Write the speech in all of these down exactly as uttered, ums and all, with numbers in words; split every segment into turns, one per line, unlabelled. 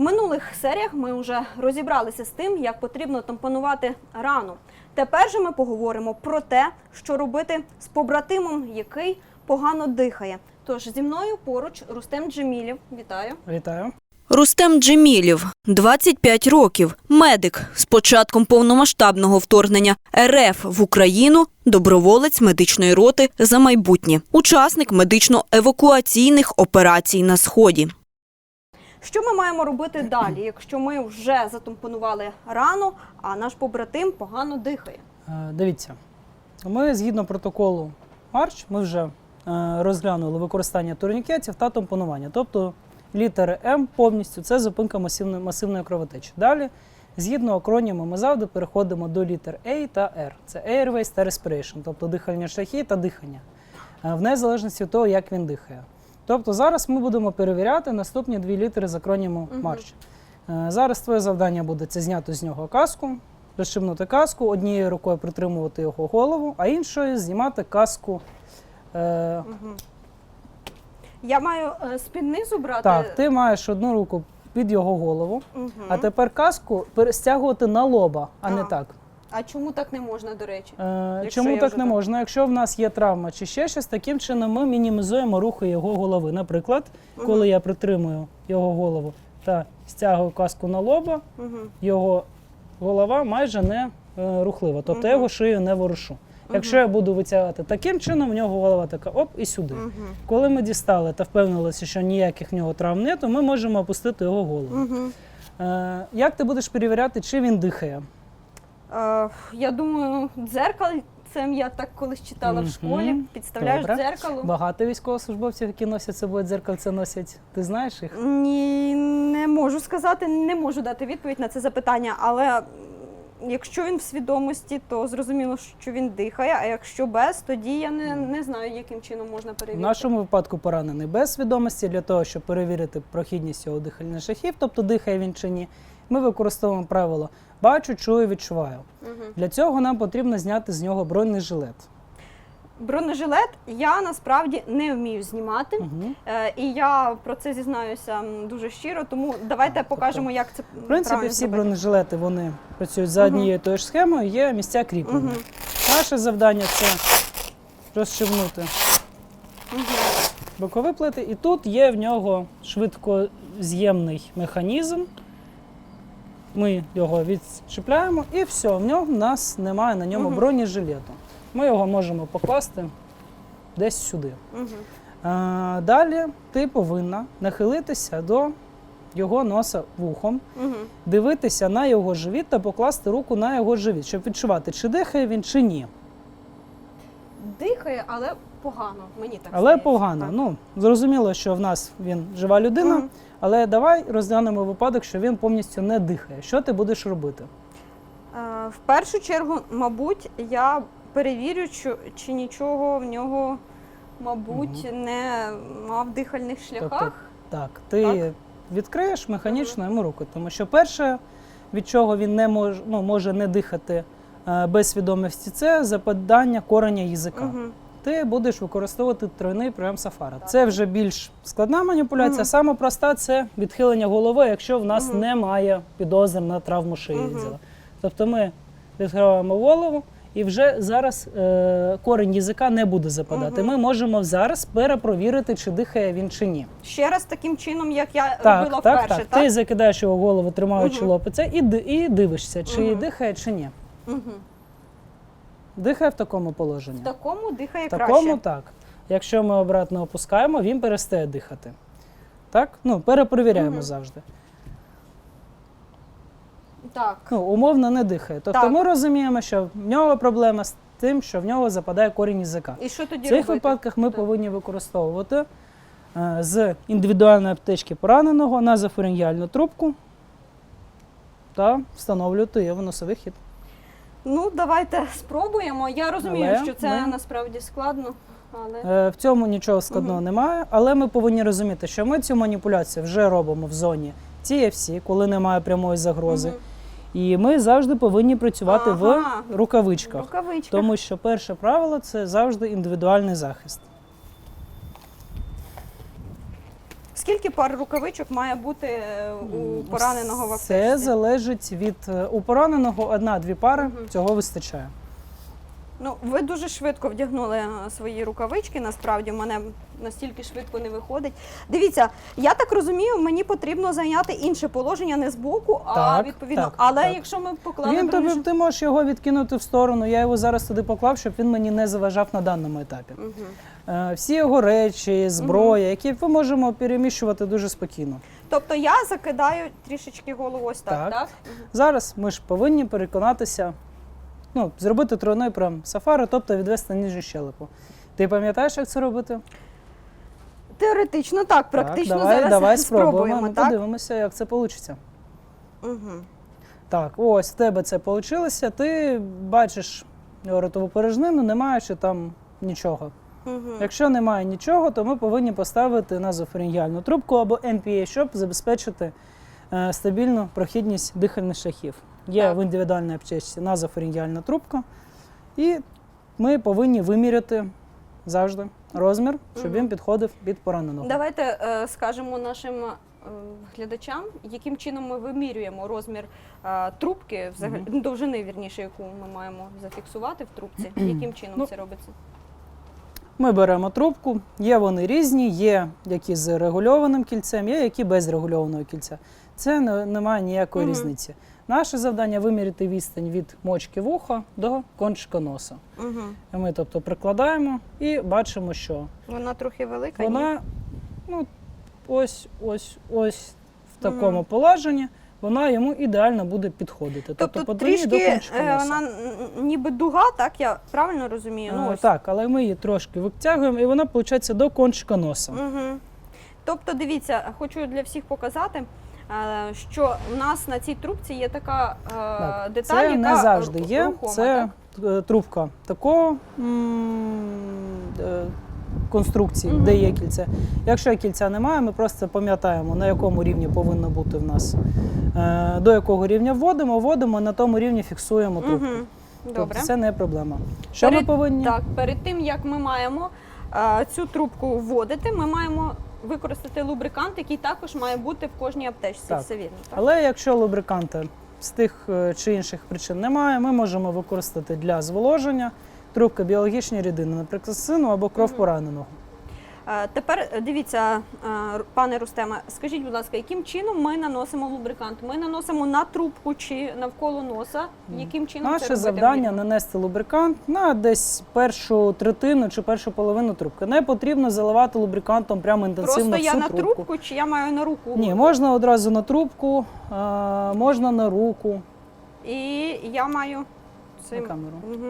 минулих серіях ми вже розібралися з тим, як потрібно тампонувати рану. Тепер же ми поговоримо про те, що робити з побратимом, який погано дихає. Тож зі мною поруч Рустем Джемілєв. Вітаю.
Вітаю.
Рустем Джемілєв, двадцять п'ять років, медик. З початком повномасштабного вторгнення РФ в Україну доброволець медичної роти «За майбутнє», учасник медично-евакуаційних операцій на Сході.
Що ми маємо робити далі, якщо ми вже затампонували рану, а наш побратим погано дихає?
Дивіться, ми згідно протоколу Марч, ми вже розглянули використання турнікетів та тампонування. Тобто літери М повністю – це зупинка масивної, масивної кровотечі. Далі, згідно акроніму, ми завжди переходимо до літер А та Р. Це Airways та Respiration, тобто дихальні шляхи та дихання, в незалежності від того, як він дихає. Тобто зараз ми будемо перевіряти наступні дві літери з акроніму Марч. Uh-huh. Зараз твоє завдання буде це зняти з нього каску, розшибнути каску, однією рукою притримувати його голову, а іншою знімати каску. Е... Uh-huh.
Я маю е, з-під низу брати?
Так, ти маєш одну руку під його голову,
uh-huh.
а тепер каску стягувати на лоба, а uh-huh. не так.
А чому так не можна, до речі?
Е, чому так не можна? Якщо в нас є травма чи ще щось, таким чином ми мінімізуємо рухи його голови. Наприклад, угу. коли я притримую його голову та стягую каску на лоба, угу. його голова майже не е, рухлива, тобто угу. я його шию не ворушу. Угу. Якщо я буду витягати таким чином, в нього голова така оп і сюди. Угу. Коли ми дістали та впевнилися, що ніяких в нього травм не, то ми можемо опустити його голову. Угу. Е, як ти будеш перевіряти, чи він дихає?
Uh, я думаю, дзеркальцем, я так колись читала mm-hmm. в школі, підставляєш
Добре.
дзеркало.
Багато військовослужбовців, які носять з собою дзеркальце, носять. Ти знаєш їх?
Ні, не можу сказати, не можу дати відповідь на це запитання, але якщо він в свідомості, то зрозуміло, що він дихає, а якщо без, тоді я не, не знаю, яким чином можна перевірити.
В нашому випадку поранений без свідомості, для того, щоб перевірити прохідність його дихальних шляхів, тобто дихає він чи ні, ми використовуємо правило «бачу, чую, відчуваю». Угу. Для цього нам потрібно зняти з нього бронежилет.
Бронежилет я насправді не вмію знімати, угу. е, і я про це зізнаюся дуже щиро, тому давайте а, покажемо, тобто, як це правильно зробити. В принципі, всі зробити. Бронежилети, вони працюють за однією угу. тою ж схемою, є місця кріплення. Угу. Наше завдання – це розшивнути угу. бокові плити, і тут є в нього швидкоз'ємний механізм. Ми його відчіпляємо і все, в ньому в нас немає на ньому угу. бронежилету. Ми його можемо покласти десь сюди. Угу. А, далі ти повинна нахилитися до його носа вухом, угу. дивитися на його живіт та покласти руку на його живіт, щоб відчувати, чи дихає він, чи ні. Дихає, але погано, мені так
Але
здається.
погано. Так. Ну, зрозуміло, що в нас він жива людина, угу. але давай розглянемо випадок, що він повністю не дихає. Що ти будеш робити?
Е, в першу чергу, мабуть, я перевірю, чи, чи нічого в нього, мабуть, угу. не мав в дихальних шляхах.
Тобто, так, ти так? відкриєш механічно
угу.
йому руку, тому що перше, від чого він не мож, ну, може не дихати е, без свідомості, це западання кореня язика. Угу. Ти будеш використовувати тройний прийом Сафара. Це вже більш складна маніпуляція. Угу. Саме проста – це відхилення голови, якщо в нас угу. немає підозр на травму шиї. Угу. Тобто ми відкриваємо голову, і вже зараз е, корінь язика не буде западати. Угу. Ми можемо зараз перепровірити, чи дихає він чи ні.
Ще раз таким чином, як я
так,
робила
так,
вперше,
так.
так?
Ти закидаєш його голову, тримаючи
угу.
лопиця, і, і дивишся, чи
угу.
дихає, чи ні.
Угу.
Дихає в такому положенні?
В такому дихає
в
краще.
В такому так. Якщо ми обратно опускаємо, він перестає дихати. Так? Ну, перепровіряємо угу. завжди.
Так.
Ну, умовно не дихає. Тобто так. ми розуміємо, що в нього проблема з тим, що в нього западає корінь язика.
І що тоді
В цих
робити?
випадках ми
так.
повинні використовувати е, з індивідуальної аптечки пораненого назофарингеальну трубку та встановлювати її в носовий хід.
Ну, давайте спробуємо. Я розумію,
але
що це
ми...
насправді складно. Але...
Е, в цьому нічого складного угу. немає, але ми повинні розуміти, що ми цю маніпуляцію вже робимо в зоні Ті Еф Сі, коли немає прямої загрози. Угу. І ми завжди повинні працювати ага. в рукавичках,
рукавичках,
тому що перше правило – це завжди індивідуальний захист.
скільки пар рукавичок має бути е, у пораненого в аптечці?
Це залежить від е, у пораненого одна-дві пари,
Мгм.
цього вистачає.
Ну, ви дуже швидко вдягнули е, свої рукавички, насправді, в мене настільки швидко не виходить. Дивіться, я так розумію, мені потрібно зайняти інше положення не збоку, а
Так,
відповідно.
так,
Але
так.
якщо ми поклали
Він тобі,
бронежилет...
ти можеш його відкинути в сторону, я його зараз туди поклав, щоб він мені не заважав на даному етапі.
Мгм.
Е, Всі його речі, зброя, які ми можемо переміщувати дуже спокійно.
Тобто я закидаю трішечки голову ось так,
Так.
так?
Зараз ми ж повинні переконатися, ну, зробити тройний прям сафари, тобто відвести нижню щелепу. Ти пам'ятаєш, як це робити?
Теоретично так, практично
так, давай,
зараз
давай
спробуємо,
спробуємо, ми
так?
подивимося, як це вийде.
Угу.
Так, ось в тебе це вийшло, ти бачиш ротову порожнину, не маючи там нічого.
Угу.
Якщо немає нічого, то ми повинні поставити назофарингіальну трубку або ен пі ей, щоб забезпечити е, стабільну прохідність дихальних шляхів. Є
Так.
в індивідуальній аптечці назофарингіальна трубка, і ми повинні виміряти завжди розмір, щоб
Мгм.
він підходив під пораненого.
Давайте е, скажемо нашим е, глядачам, яким чином ми вимірюємо розмір е, трубки, взагалі
Мгм.
довжини, вірніше, яку ми маємо зафіксувати в трубці. Яким чином
Ну,
це робиться?
Ми беремо трубку, є вони різні, є які з регульованим кільцем, є які без регульованого кільця. Це не, немає ніякої
Мгм.
різниці. Наше завдання виміряти відстань від мочки вуха до кончика носа.
Угу.
І ми, тобто, прикладаємо і бачимо, що
Вона трохи велика. ні?
вона ну, ось, ось, ось в такому
Мгм.
положенні вона йому ідеально буде підходити.
Тобто
по длині до
трішки
кончика
е,
носа.
вона н- ніби дуга, так я правильно розумію? Ну,
Е,
ось.
Так, але ми її трошки витягуємо, і вона, виходить, до кончика носа.
Угу. Тобто, дивіться, хочу для всіх показати, е, що в нас на цій трубці є така е,
Так,
деталь,
це
яка
не завжди
ру-
є.
рухома,
Це
так?
е, трубка такого м, е, конструкції,
Мгм.
де є кільце. Якщо кільця немає, ми просто пам'ятаємо, на якому рівні повинно бути в нас, е, до якого рівня вводимо, вводимо, на тому рівні фіксуємо трубку.
Угу.
Тобто
Добре.
це не проблема. Що
Перед-
ми повинні?
Так, перед тим, як ми маємо е, цю трубку вводити, ми маємо використати лубрикант, який також має бути в кожній аптечці.
Так.
Все вірно, так?
Але якщо лубриканта з тих е, чи інших причин немає, ми можемо використати для зволоження трубки біологічні рідини, наприклад, сину або кров
Мгм.
пораненого.
Е, Тепер е, дивіться, е, Р- пане Рустеме, скажіть, будь ласка, яким чином ми наносимо лубрикант? Ми наносимо на трубку чи навколо носа? Яким чином це
Наше
робити
завдання
вмірно?
нанести лубрикант на десь першу третину чи першу половину трубки. Не потрібно заливати лубрикантом прямо інтенсивно
Просто я
всю
на
трубку.
трубку чи я маю на руку?
Ні, можна одразу на трубку, а, можна на руку,
І я маю
на
цим.
камеру.
Угу.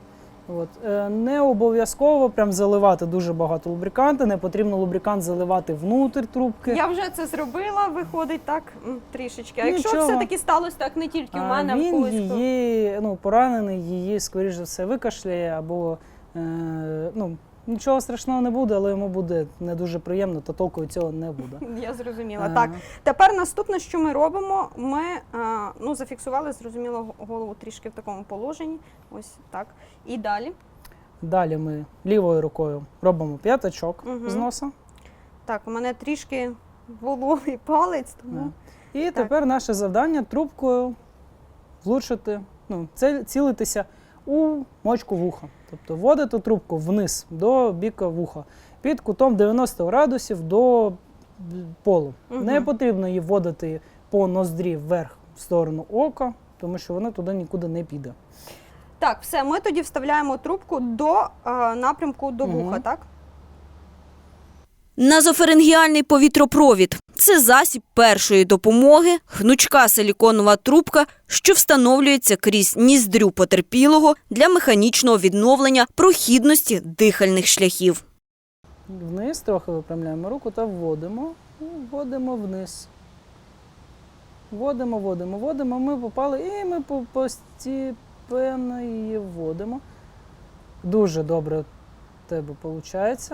От. Е, Не обов'язково прям заливати дуже багато лубриканту, не потрібно лубрикант заливати внутрь трубки.
Я вже це зробила, виходить так м, трішечки. А якщо
Нічого.
все-таки сталося так не тільки в
А
мене, а в
він
когось. хто-
її, ну, поранений, її, скоріш за все, викашляє або е, ну, нічого страшного не буде, але йому буде не дуже приємно, та толку від цього не буде.
Я зрозуміла.
Е,
Так, тепер наступне, що ми робимо, ми е, ну, зафіксували, зрозуміло, голову трішки в такому положенні. Ось так. І далі.
Далі ми лівою рукою робимо п'ятачок
Мгм.
з носа.
Так, у мене трішки вологий палець, тому.
І тепер наше завдання трубкою влучити, ну, це цілитися у мочку вуха. Тобто вводити трубку вниз до біка вуха під кутом дев'яносто градусів до полу.
Мгм.
Не потрібно її вводити по ноздрі вверх в сторону ока, тому що вона туди нікуди не піде.
Так, все, ми тоді вставляємо трубку до е, напрямку до
Мгм.
вуха, так?
Назофарингіальний повітропровід – це засіб першої допомоги, гнучка силіконова трубка, що встановлюється крізь ніздрю потерпілого для механічного відновлення прохідності дихальних шляхів.
Вниз трохи випрямляємо руку та вводимо, і вводимо вниз. Вводимо, вводимо, вводимо, ми попали і ми по- постепенно її вводимо. Дуже добре в тебе виходить.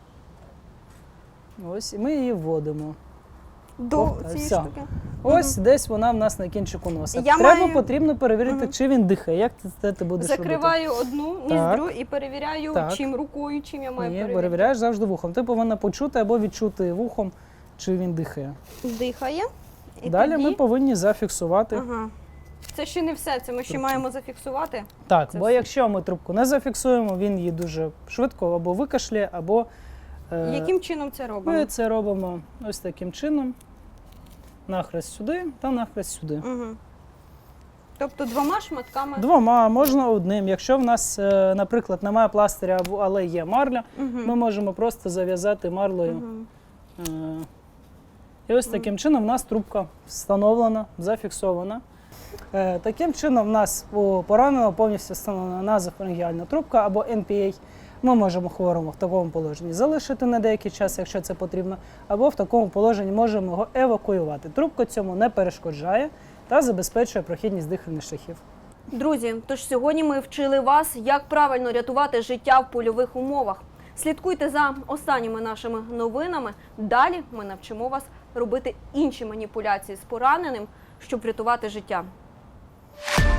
Ось, і ми її вводимо.
До
О,
цієї
все.
штуки.
Ось десь вона в нас на кінчику носа.
Я
Треба
маю-
потрібно перевірити,
Мгм.
чи він дихає. Як ти, це ти будеш робити?
Закриваю одну
Так.
ніздрю і перевіряю,
Так.
чим рукою, чим я маю
Ні,
перевіряти.
перевіряєш завжди вухом. Ти повинна почути або відчути вухом, чи він дихає.
Дихає. І
Далі
тоді...
ми повинні зафіксувати.
Ага. Це ще не все, це ми ще
Трубку.
маємо зафіксувати.
Так,
Це
бо
все.
якщо ми трубку не зафіксуємо, він її дуже швидко або викашляє, або е,
Яким чином це робимо?
ми це робимо ось таким чином. Нахрест сюди та нахрест сюди.
Угу. Тобто двома шматками.
Двома, можна одним. Якщо в нас, е, наприклад, немає пластиря, або- але є марля,
Угу.
ми можемо просто зав'язати марлею.
Угу.
Е, І ось таким чином в нас трубка встановлена, зафіксована. Е, Таким чином в нас у пораненого повністю встановлена назофарингеальна трубка або ен пі ей. Ми можемо хворому в такому положенні залишити на деякий час, якщо це потрібно, або в такому положенні можемо його евакуювати. Трубка цьому не перешкоджає та забезпечує прохідність дихальних шляхів.
Друзі, тож сьогодні ми вчили вас, як правильно рятувати життя в польових умовах. Слідкуйте за останніми нашими новинами. Далі ми навчимо вас робити інші маніпуляції з пораненим, щоб врятувати життя.